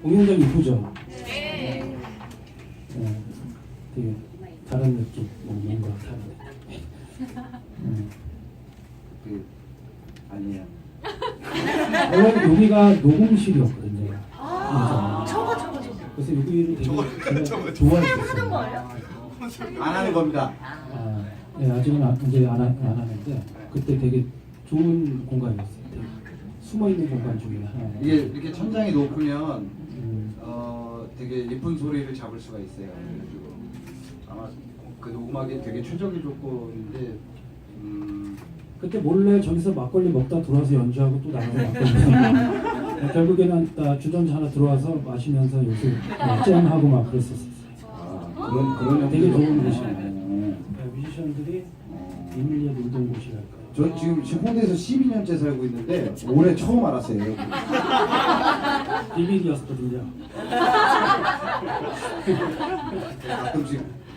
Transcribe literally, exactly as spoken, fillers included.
공연장 이쁘죠? 네. 네. 되게 다른 느낌, 뭐 뭔가 다른 느낌. 음. 그 아니에요. 원래 여기가 녹음실이었거든요. 아, 그래서 저거 저거 저거. 그래서 여기를 되게 저거, 제가 저거, 좋아했었어요. 거예요? 안 하는 겁니다. 아, 네, 아직은 안, 이제 안, 하, 안 하는데 그때 되게 좋은 공간이었어요. 되게 숨어 있는 공간 중에 하나. 이게 이렇게 천장이 높으면 음, 어 되게 예쁜 소리를 잡을 수가 있어요. 그래가지고 아마 그 녹음하기 되게 최적의 조건인데 음 그때 몰래 저기서 막걸리 먹다 들어와서 연주하고 또 나가서 막걸리 먹고 결국에는 나 주전자 하나 들어와서 마시면서 요새 뭐 잼하고 막 그랬었어요. 아, 그런 그런 되게 형태로. 좋은 곳이에요. 어. 네, 뮤지션들이 어. 비밀리에 놀던 곳이랄까. 저 지금 지금 홍대에서 십이 년째 살고 있는데 올해 처음 알았어요. 여기. 비밀이었거든요. 가끔씩